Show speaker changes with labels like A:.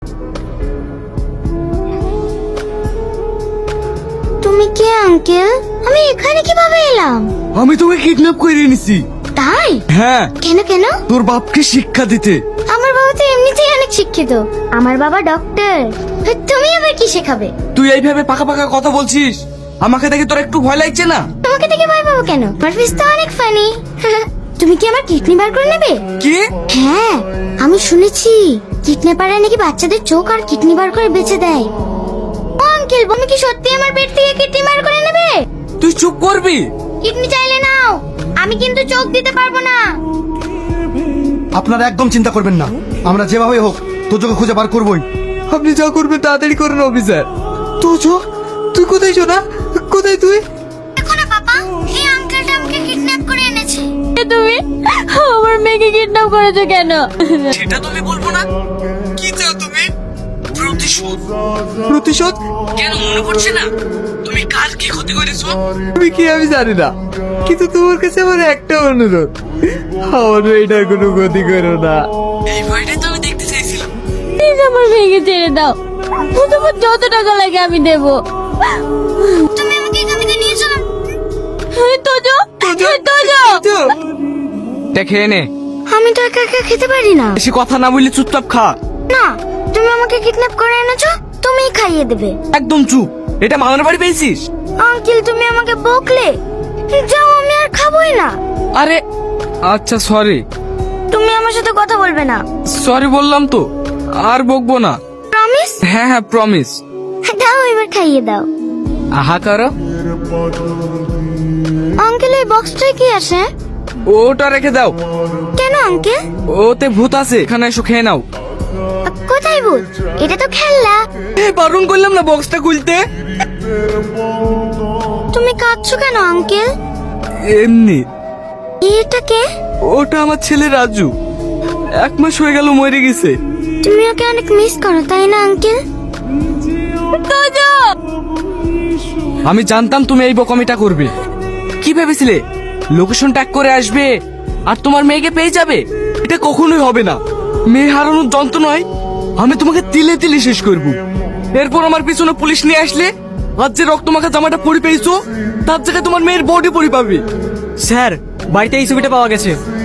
A: তুমি কে আঙ্কেল? আমি এখানে কিভাবে এলাম?
B: আমি তোকে কিডন্যাপ করে এনেছি।
A: তাই?
B: হ্যাঁ।
A: কেন কেন?
B: তোর বাপকে শিক্ষা দিতে।
A: আমার বাবা তো এমনিতেই অনেক শিক্ষিত। আমার বাবা ডক্টর। তুমি আবার কি শেখাবে?
B: তুই এইভাবে পাকা পাকা কথা বলছিস, আমাকে দেখে তোর একটু ভয় লাগছে না?
A: তোমাকে দেখে ভয় পাবো কেন? আমার ফেস তো অনেক ফানি। তুমি কি আমার কিডনি বার করে নেবে?
B: কি?
A: হ্যাঁ, আমি শুনেছি কিডন্যাপাররা নাকি বাচ্চাদের চোখ আর কিডনি বার করে বেচে দেয়। ও আঙ্কেল, তুমি কি সত্যি আমার পেট থেকে কিডনি বার করে নেবে?
B: তুই চুপ করবি?
A: কিডনি চাইলে নাও, আমি কিন্তু চোখ দিতে পারবো না।
C: আপনারা একদম চিন্তা করবেন না, আমরা যেভাবে হোক তোজোকে খুঁজে বার করবই।
B: আপনি যা করবেন তাড়াতাড়ি করুন অফিসার। তোজো, তুই কোথায় শোনা? কোথায় তুই?
A: দেখো না বাবা, এই আঙ্কেলটা আমাকে কিডন্যাপ করে এনেছে।
D: তুমি আমার মেয়েকে কিডন্যাপ করেছো কেন?
B: সেটা তুমি বলবো না? কি চাও তুমি? প্রতিশোধ। প্রতিশোধ? কেন মনে পড়ছে না তুমি কাল কি ক্ষতি করেছো? তুমি কি আমি জানি না, কিন্তু তোমার কাছে আমার একটা অনুরোধ, আমার মেয়েটার কোনো ক্ষতি করো না। এই ভয়টাই তো আমি দেখতে চাইছিলাম।
D: প্লিজ আমার মেয়েকে ছেড়ে দাও, তোমার যত টাকা লাগে আমি দেবো।
A: তুমি আমাকে এখান থেকে নিয়ে চলো।
D: তোজো, তোজো,
B: এটা খেয়ে নে।
A: আমি তো একা একা খেতে পারি না।
B: বেশি কথা না বললে চুপচাপ খা।
A: না, তুমি আমাকে কিডন্যাপ করে এনেছো, তুমিই খাইয়ে দেবে।
B: একদম চুপ। এটা মামার বাড়ি পেয়েছিস?
A: আঙ্কেল, তুমি আমাকে বকলে। যাও, আমি আর খাবোই না।
B: আরে আচ্ছা, সরি।
A: তুমি আমার সাথে কথা বলবে না।
B: সরি বললাম তো, আর বকবো না।
A: প্রমিস?
B: হ্যাঁ হ্যাঁ, প্রমিস।
A: দাও, এবার খাইয়ে দাও।
B: আহা করো।
A: আঙ্কেল, এই বক্সটায় কি আছে?
B: ওটা রেখে দাও।
A: কেন আঙ্কেল?
B: ওতে ভূত আছে, এখানে এসো খেয়ে নাও।
A: কোথায় ভূত? এটা তো খেলনা।
B: বারণ করলাম না বক্সটা খুলতে।
A: তুমি কাঁদছো কেন আঙ্কেল?
B: এমনি।
A: এটা কে?
B: ওটা আমার ছেলে রাজু, 1 মাস হয়ে গেল মরে গেছে।
A: তুমি ওকে অনেক মিস করো, তাই না আঙ্কেল?
D: তোজো।
B: আমি জানতাম তুমি এই বোকামিটা করবে। কি ভেবেছিলে লোকেশন ট্যাগ করে আসবে আর তোমার মেয়েকে পেয়ে যাবে? এটা কখনোই হবে না। মেয়ে হারানোর যন্ত্রণায় আমি তোমাকে তিলে তিলে শেষ করব। এরপর আমার পিছনে পুলিশ নিয়ে আসলে আজ যে রক্তমাখা জামাটা পরে পেয়েছো, তার জায়গায় তোমার মেয়ের বডি পরে পাবে।
E: স্যার, বাড়িতে এই ছবিটা পাওয়া গেছে।